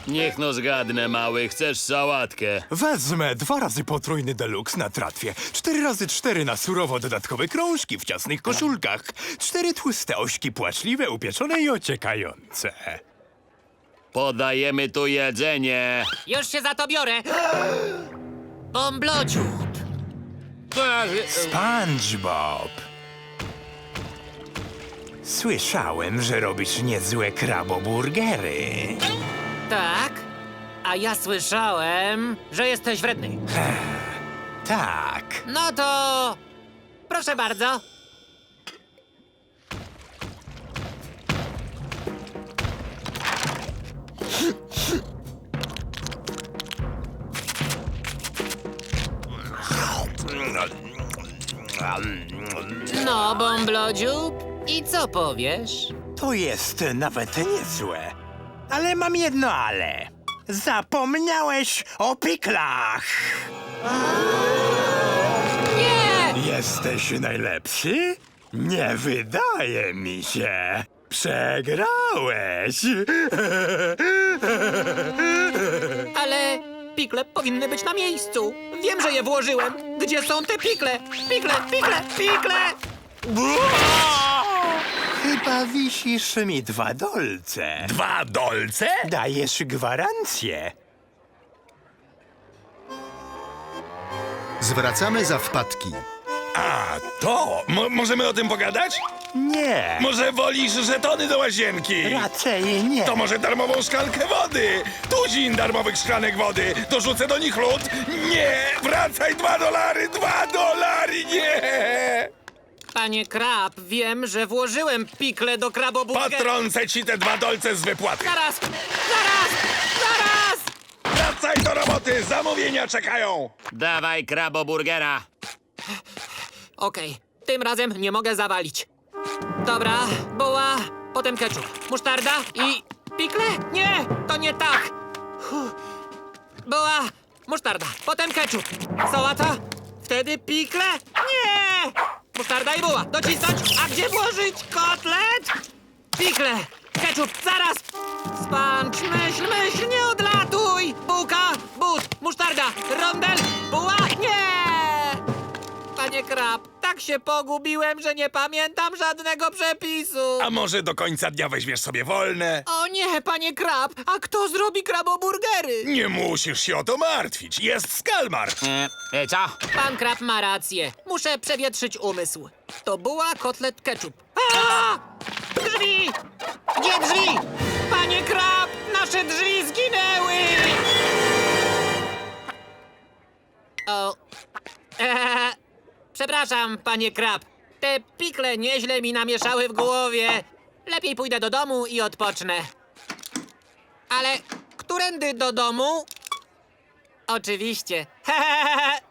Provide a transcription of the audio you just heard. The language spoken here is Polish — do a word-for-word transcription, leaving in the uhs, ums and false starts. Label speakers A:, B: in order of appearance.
A: Niech no zgadnę, mały, chcesz sałatkę.
B: Wezmę dwa razy potrójny deluxe na tratwie, cztery razy cztery na surowo dodatkowe krążki w ciasnych koszulkach, cztery tłuste ośki płaczliwe, upieczone i ociekające.
A: Podajemy tu jedzenie.
C: Już się za to biorę. Bąblociut.
B: SpongeBob. Słyszałem, że robisz niezłe kraboburgery.
C: Tak? A ja słyszałem, że jesteś wredny.
B: Tak.
C: No to... Proszę bardzo. No, Bąblodziób, i co powiesz?
B: To jest nawet niezłe. Ale mam jedno ale. Zapomniałeś o piklach.
C: Nie!
B: Jesteś najlepszy? Nie wydaje mi się. Przegrałeś.
C: Ale pikle powinny być na miejscu. Wiem, że je włożyłem. Gdzie są te pikle? Pikle, pikle, pikle!
B: Chyba wisisz mi dwa dolce.
D: Dwa dolce?
B: Dajesz gwarancję.
E: Zwracamy za wpadki.
D: A, to! Mo możemy o tym pogadać?
B: Nie.
D: Może wolisz żetony do łazienki?
B: Raczej nie.
D: To może darmową szklankę wody? Tuzin darmowych szklanek wody. Dorzucę do nich lód? Nie! Wracaj, dwa dolary! Dwa dolary! Nie!
C: Panie Krab, wiem, że włożyłem pikle do kraboburgera.
D: Potrącę ci te dwa dolce z wypłaty.
C: Zaraz! Zaraz! Zaraz!
D: Wracaj do roboty! Zamówienia czekają!
A: Dawaj kraboburgera.
C: Okej, tym razem nie mogę zawalić. Dobra, buła, potem ketchup, musztarda i... pikle? Nie, to nie tak. Huh. Buła, musztarda, potem ketchup. Sałata? Wtedy pikle? Nie! Musztarda i buła, docisnąć. A gdzie włożyć kotlet? Pikle, ketchup, zaraz! Spanch, myśl, myśl, nie odlatuj! Bułka, but, musztarda, rondel, buła, nie! Panie Krab, tak się pogubiłem, że nie pamiętam żadnego przepisu.
D: A może do końca dnia weźmiesz sobie wolne?
C: O nie, panie Krab, a kto zrobi kraboburgery?
D: Nie musisz się o to martwić. Jest Skalmar.
A: E, e, co?
C: Pan Krab ma rację. Muszę przewietrzyć umysł. To była kotlet ketchup. A! Drzwi! Gdzie drzwi? Panie Krab, nasze drzwi zginęły! O... Eee, przepraszam, panie Krab. Te pikle nieźle mi namieszały w głowie. Lepiej pójdę do domu i odpocznę. Ale którędy do domu? Oczywiście.